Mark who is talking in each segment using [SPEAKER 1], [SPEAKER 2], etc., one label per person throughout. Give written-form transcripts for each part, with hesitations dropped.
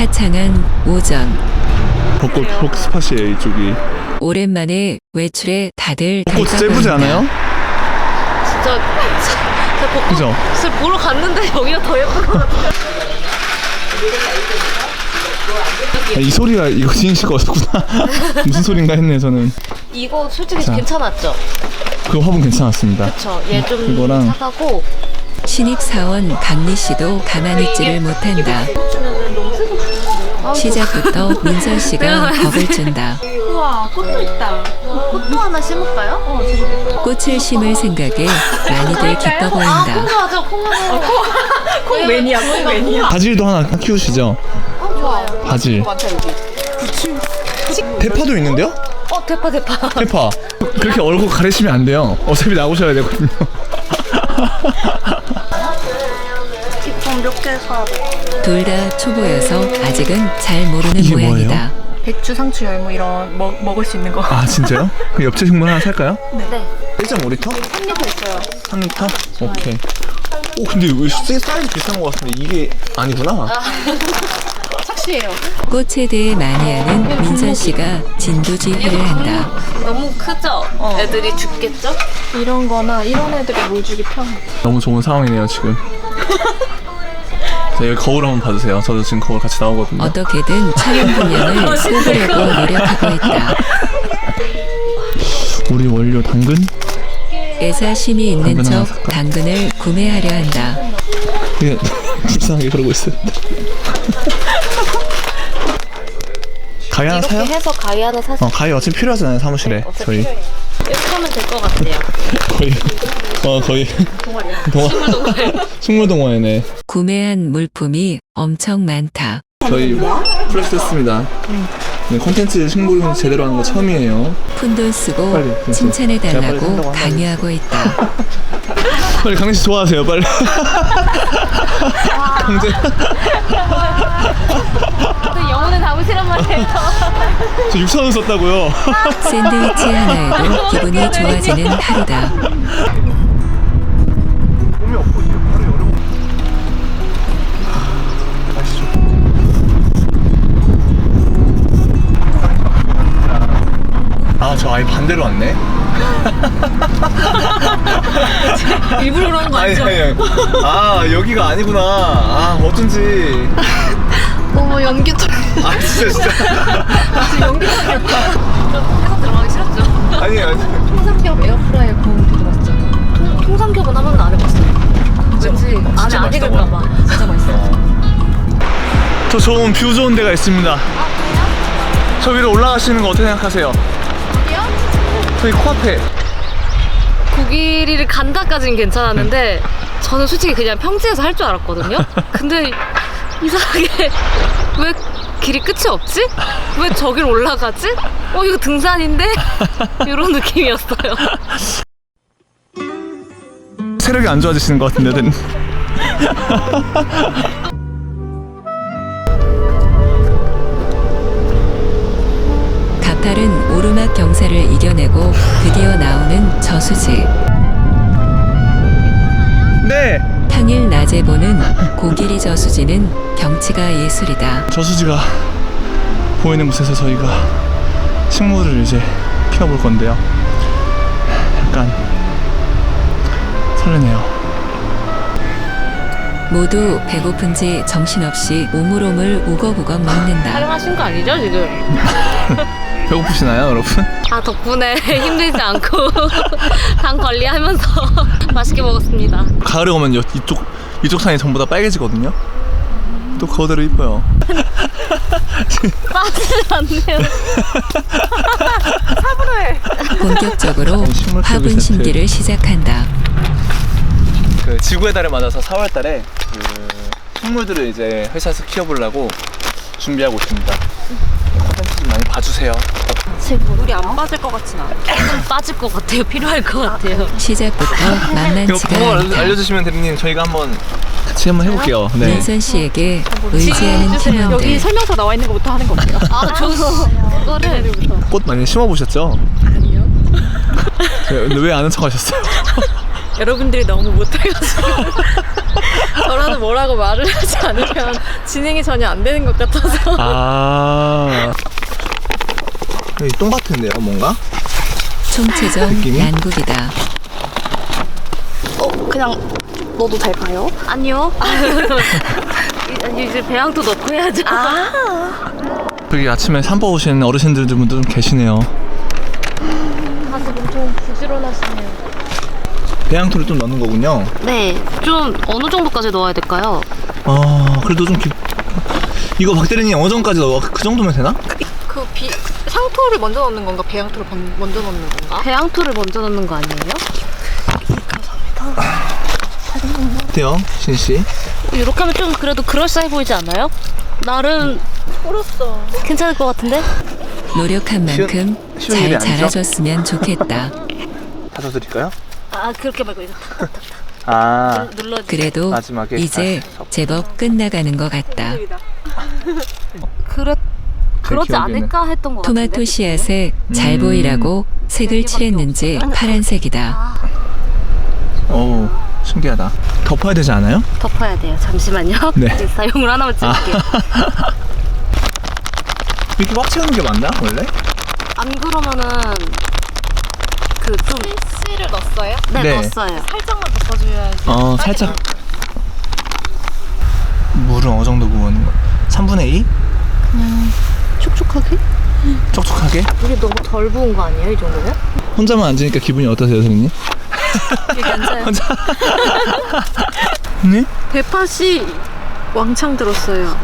[SPEAKER 1] 화창한 오전.
[SPEAKER 2] 벚꽃 스팟이에요 이쪽이.
[SPEAKER 1] 오랜만에 외출에 다들
[SPEAKER 2] 벚꽃 진짜 예쁘지 않아요?
[SPEAKER 3] 진짜
[SPEAKER 2] 그죠?
[SPEAKER 3] 벚꽃을 보러 갔는데 여기가 더 예쁜 것 같아요.
[SPEAKER 2] 이 소리가 이거 지인 씨가 왔었구나. 무슨 소린가 했네 저는.
[SPEAKER 3] 이거 솔직히
[SPEAKER 2] 자.
[SPEAKER 3] 괜찮았죠?
[SPEAKER 2] 그 화분 괜찮았습니다.
[SPEAKER 3] 그쵸. 얘 좀
[SPEAKER 2] 이거랑
[SPEAKER 3] 사가고.
[SPEAKER 1] 신입사원 강리 씨도 가만히 있지를 못한다. 시작부터 민선 씨가 겁을 준다.
[SPEAKER 3] 우와, 꽃도 있다. 꽃도 하나 심을까요?
[SPEAKER 1] 꽃을 심을 생각에 많이들 기뻐 보인다.
[SPEAKER 3] 콩하죠, 콩하죠.
[SPEAKER 4] 콩 매니아, 콩 매니아.
[SPEAKER 2] 바질도 하나 키우시죠?
[SPEAKER 3] 좋아요.
[SPEAKER 2] 바질.
[SPEAKER 4] 많다 여기.
[SPEAKER 2] 대파도 있는데요?
[SPEAKER 3] 대파.
[SPEAKER 2] 대파. 그렇게 얼굴 가리시면 안 돼요. 어차피 나오셔야 되거든요.
[SPEAKER 4] 기품 몇 개 사야 돼.
[SPEAKER 1] 둘 다 초보여서 아직은 잘 모르는
[SPEAKER 2] 이게
[SPEAKER 1] 모양이다.
[SPEAKER 4] 배추, 상추, 열무 이런 먹을 수 있는 거.
[SPEAKER 2] 아 진짜요? 그럼 엽채 식물 하나 살까요?
[SPEAKER 3] 네.
[SPEAKER 2] 1.5리터?
[SPEAKER 4] 3리터 있어요.
[SPEAKER 2] 3리터? 오케이. 오 근데 왜 사이즈 비싼 것 같은데 이게 아니구나.
[SPEAKER 4] 착시예요.
[SPEAKER 1] 꽃에 대해 많이 아는 민선 씨가 진두지휘를 한다.
[SPEAKER 3] 너무 크죠? 애들이 죽겠죠?
[SPEAKER 4] 이런 거나 이런 애들이 물 주기 편해.
[SPEAKER 2] 너무 좋은 상황이네요 지금. 자, 여기 거울 한번 봐주세요. 저도 지금 거울 같이 나오거든요.
[SPEAKER 1] 어떻게든 촬영 분량을 뽑으려고 노력하고 있다.
[SPEAKER 2] 우리 원료 당근?
[SPEAKER 1] 애사심이 있는
[SPEAKER 2] 당근 하나
[SPEAKER 1] 척
[SPEAKER 2] 살까?
[SPEAKER 1] 당근을 구매하려 한다.
[SPEAKER 2] 그냥 불쌍하게 그러고 있어요. 가위 하나 사요?
[SPEAKER 3] 이렇게 해서 가위 하나 사서
[SPEAKER 2] 가위 어차피 필요하잖아요 사무실에 저희.
[SPEAKER 3] 이렇게 하면 될 것 같아요.
[SPEAKER 2] 거의 식물 동화회네.
[SPEAKER 1] 구매한 물품이 엄청 많다.
[SPEAKER 2] 저희 플렉스 했습니다. 네, 콘텐츠 식물 제대로 하는 거 처음이에요.
[SPEAKER 1] 푼돈 쓰고
[SPEAKER 2] 빨리, 제가 빨리
[SPEAKER 1] 칭찬해달라고
[SPEAKER 2] 산다고
[SPEAKER 1] 강요하고 있다.
[SPEAKER 2] 빨리 강민 씨 좋아하세요 빨리. 강제.
[SPEAKER 3] 영혼을 담으시란 말이에요.
[SPEAKER 2] 저 6,000원 썼다고요.
[SPEAKER 1] 샌드위치 하나에도 기분이 좋아지는 하루다.
[SPEAKER 2] 몸이 없고 이게 바로 열어. 가시죠. 아, 저 아예 반대로 왔네.
[SPEAKER 3] 일부러 그러는 거 아니죠?
[SPEAKER 2] 아니. 아, 여기가 아니구나. 아, 어쩐지.
[SPEAKER 4] 어머 연기통.
[SPEAKER 2] 아, 진짜.
[SPEAKER 4] 연기통이었다.
[SPEAKER 3] 회사 들어가기 싫었죠?
[SPEAKER 2] 아니.
[SPEAKER 4] 통삼겹 에어프라이어 구운 게 들어갔죠.
[SPEAKER 3] 통삼겹은 한 번도 안 해봤어요. 왠지 안에 안 익을까봐.
[SPEAKER 4] 진짜 맛있어요.
[SPEAKER 2] 저 좋은 뷰 좋은 데가 있습니다. 저 위로 올라가시는 거 어떻게 생각하세요?
[SPEAKER 4] 어디요?
[SPEAKER 2] 저희 코앞에.
[SPEAKER 3] 고기리를 간다까지는 괜찮았는데 저는 솔직히 그냥 평지에서 할 줄 알았거든요. 근데 이상하게 왜 길이 끝이 없지? 왜 저길 올라가지? 이거 등산인데? 이런 느낌이었어요.
[SPEAKER 2] 체력이 안 좋아지시는 것 같은데.
[SPEAKER 1] 가파른 오르막 경사를 이겨내고 드디어 나오는 저수지.
[SPEAKER 2] 네.
[SPEAKER 1] 평일 낮에 보는 고기리 저수지는 경치가 예술이다.
[SPEAKER 2] 저수지가 보이는 곳에서 저희가 식물을 이제 피워볼 건데요. 약간 설레네요.
[SPEAKER 1] 모두 배고픈지 정신없이 오물오물 우거우거 먹는다.
[SPEAKER 3] 촬영하신 거 아니죠 지금?
[SPEAKER 2] 배고프시나요, 여러분?
[SPEAKER 3] 덕분에 힘들지 않고 당 관리하면서 맛있게 먹었습니다.
[SPEAKER 2] 가을에 오면 이쪽 산이 전부 다 빨개지거든요. 또 그거대로 이뻐요.
[SPEAKER 3] 빠지지 않네요.
[SPEAKER 1] 본격적으로
[SPEAKER 2] 식물 키우기
[SPEAKER 1] 화분
[SPEAKER 2] 세트.
[SPEAKER 1] 심기를 시작한다.
[SPEAKER 2] 그 지구의 달을 맞아서 4월달에 그 식물들을 이제 회사에서 키워보려고 준비하고 있습니다. 콘텐츠 좀 많이 봐주세요.
[SPEAKER 4] 우리 안 빠질 것 같진 않아.
[SPEAKER 3] 좀 빠질 것 같아요. 필요할 것 같아요.
[SPEAKER 1] 시작부터
[SPEAKER 2] 이거
[SPEAKER 1] 만만치가
[SPEAKER 2] 번호
[SPEAKER 1] 않다.
[SPEAKER 2] 알려주시면 대리님 저희가 한번 같이 한번 해볼게요. 네.
[SPEAKER 1] 민선 씨에게 의지하는 팀원들.
[SPEAKER 4] 여기 설명서 나와 있는 것부터 하는 거 어때요?
[SPEAKER 3] 그거를
[SPEAKER 2] 꽃 많이 심어보셨죠?
[SPEAKER 4] 아니요.
[SPEAKER 2] 근데 왜 아는 척 하셨어요?
[SPEAKER 3] 여러분들이 너무 못해가지고 저라도 뭐라고 말을 하지 않으면 진행이 전혀 안 되는 것 같아서.
[SPEAKER 2] 아.
[SPEAKER 5] 여기 똥 같은데요, 뭔가?
[SPEAKER 1] 총체적
[SPEAKER 5] 느낌이?
[SPEAKER 1] 난국이다.
[SPEAKER 4] 그냥 넣어도 될까요?
[SPEAKER 3] 아니요. 이제 배양토 넣고 해야죠.
[SPEAKER 2] 여기 아침에 산보 오신 어르신들도 좀 계시네요.
[SPEAKER 3] 다들 엄청 부지런하시네요.
[SPEAKER 5] 배양토를 좀 넣는 거군요.
[SPEAKER 3] 네, 좀 어느 정도까지 넣어야 될까요?
[SPEAKER 5] 그래도 좀 이거 박대리님 어느 정도까지 넣어? 그 정도면 되나?
[SPEAKER 4] 상토를 먼저 넣는 건가? 배양토를 먼저 넣는 건가?
[SPEAKER 3] 배양토를 먼저 넣는 거 아니에요?
[SPEAKER 5] 어때요, 신씨?
[SPEAKER 3] 이렇게 하면 좀 그래도 그럴싸해 보이지 않아요? 나름
[SPEAKER 4] 풀었어.
[SPEAKER 3] 괜찮을 것 같은데?
[SPEAKER 1] 노력한 만큼
[SPEAKER 5] 쉬운 일이
[SPEAKER 1] 잘
[SPEAKER 5] 아니죠?
[SPEAKER 1] 자라줬으면 좋겠다.
[SPEAKER 5] 다져 드릴까요?
[SPEAKER 3] 아, 그렇게 말고 이거
[SPEAKER 5] 아,
[SPEAKER 3] 눌러주세요.
[SPEAKER 1] 그래도
[SPEAKER 5] 마지막에
[SPEAKER 1] 이제 제법 끝나가는 것 같다.
[SPEAKER 3] 그렇지
[SPEAKER 5] 기억에는.
[SPEAKER 3] 않을까 했던 것 같은데?
[SPEAKER 1] 토마토 씨앗에 잘 보이라고 색을 칠했는지 파란색이다.
[SPEAKER 5] 어우, 신기하다. 덮어야 되지 않아요?
[SPEAKER 3] 덮어야 돼요. 잠시만요.
[SPEAKER 5] 네.
[SPEAKER 3] 인스타용으로 하나만 찍을게요.
[SPEAKER 5] 이렇게 꽉 채우는 게 맞나, 원래?
[SPEAKER 3] 안 그러면은 그 좀
[SPEAKER 4] 씨를 넣었어요?
[SPEAKER 3] 네,
[SPEAKER 5] 네.
[SPEAKER 3] 넣었어요.
[SPEAKER 4] 살짝만 덮어줘야지.
[SPEAKER 5] 살짝. 물은 어느 정도 부어는 거? 3분의 2?
[SPEAKER 3] 촉촉하게?
[SPEAKER 5] 촉촉하게?
[SPEAKER 3] 이게 너무 덜 부은 거 아니에요, 이 정도면?
[SPEAKER 5] 혼자만 앉으니까 기분이 어떠세요, 선생님?
[SPEAKER 3] 괜찮아요.
[SPEAKER 5] 네?
[SPEAKER 3] 대파씨 왕창 들었어요.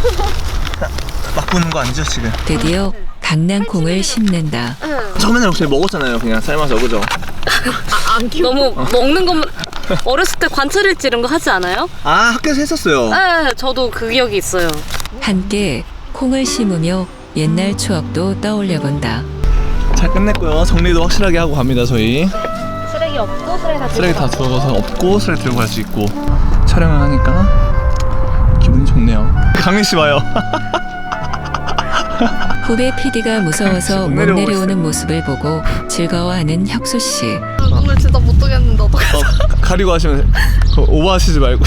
[SPEAKER 5] 막 부는 거 아니죠, 지금?
[SPEAKER 1] 드디어 강낭콩을 심는다.
[SPEAKER 5] 처음에는 혹시 먹었잖아요, 그냥 삶아서, 그죠?
[SPEAKER 3] 너무 먹는 것만 어렸을 때 관찰일지 이런 거 하지 않아요?
[SPEAKER 5] 아, 학교에서 했었어요.
[SPEAKER 3] 네, 저도 그 기억이 있어요.
[SPEAKER 1] 함께 콩을 심으며 옛날 추억도 떠올려 본다.
[SPEAKER 5] 잘 끝냈고요. 정리도 확실하게 하고 갑니다, 저희.
[SPEAKER 3] 쓰레기 없고
[SPEAKER 5] 쓰레기 다 들어가서 없고 쓰레기 들고 갈 수 있고 촬영을 하니까 기분이 좋네요. 강민 씨 와요.
[SPEAKER 1] 후배 PD가 무서워서 못
[SPEAKER 5] 내려오고
[SPEAKER 1] 내려오는 모습을 보고 즐거워하는 혁수 씨.
[SPEAKER 4] 오늘 진짜 못 뜨겠는데 어떡해.
[SPEAKER 5] 가리고 하시면 오버하시지 말고.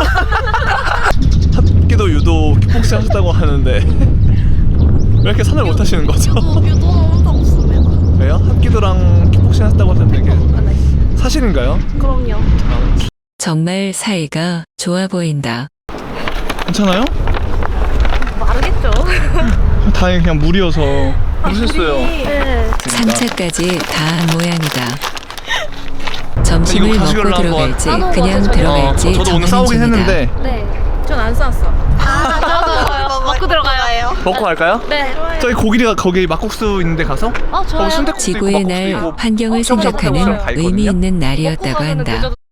[SPEAKER 5] 합기도 유도 킥복싱 하셨다고 하는데 왜 이렇게 선을 못 하시는 거죠?
[SPEAKER 4] 유도는 혼자 없습니다.
[SPEAKER 5] 왜요? 합기도랑 킥복싱 하셨다고 하셨는데 이게 사실인가요?
[SPEAKER 4] 그럼요.
[SPEAKER 1] 정말 사이가 좋아 보인다.
[SPEAKER 5] 괜찮아요?
[SPEAKER 3] 마르겠죠.
[SPEAKER 5] 다행히 그냥 물이어서 무셨어요.
[SPEAKER 3] 네.
[SPEAKER 1] 3차까지 다 한 모양이다. 점심을
[SPEAKER 5] 이거
[SPEAKER 1] 먹고
[SPEAKER 5] 가지고
[SPEAKER 1] 들어갈지
[SPEAKER 3] 한번
[SPEAKER 1] 그냥
[SPEAKER 3] 저도
[SPEAKER 1] 들어갈지
[SPEAKER 5] 저도 오늘
[SPEAKER 1] 정하는
[SPEAKER 5] 싸우긴
[SPEAKER 1] 중이다.
[SPEAKER 5] 했는데
[SPEAKER 3] 네. 전 안 쌌어. 먹고 들어가요.
[SPEAKER 5] 먹고 갈까요?
[SPEAKER 3] 네.
[SPEAKER 5] 저희 고기가 거기 막국수 있는데 가서
[SPEAKER 3] 좋아요.
[SPEAKER 5] 순댓국도 있고
[SPEAKER 1] 지구의
[SPEAKER 5] 막국수도
[SPEAKER 1] 날
[SPEAKER 5] 있고
[SPEAKER 1] 환경을
[SPEAKER 5] 샤브샤브
[SPEAKER 1] 생각하는
[SPEAKER 5] 다
[SPEAKER 1] 의미
[SPEAKER 5] 있거든요.
[SPEAKER 1] 있는 날이었다고 한다.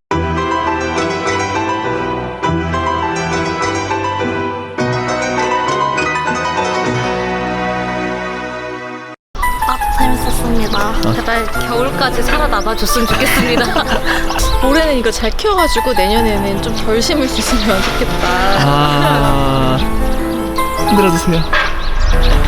[SPEAKER 4] 재밌었습니다.
[SPEAKER 3] 제발 겨울까지 살아남아 줬으면 좋겠습니다.
[SPEAKER 4] 올해는 이거 잘 키워가지고 내년에는 좀 덜 심을 수 있으면 좋겠다.
[SPEAKER 5] 아, 흔들어 주세요.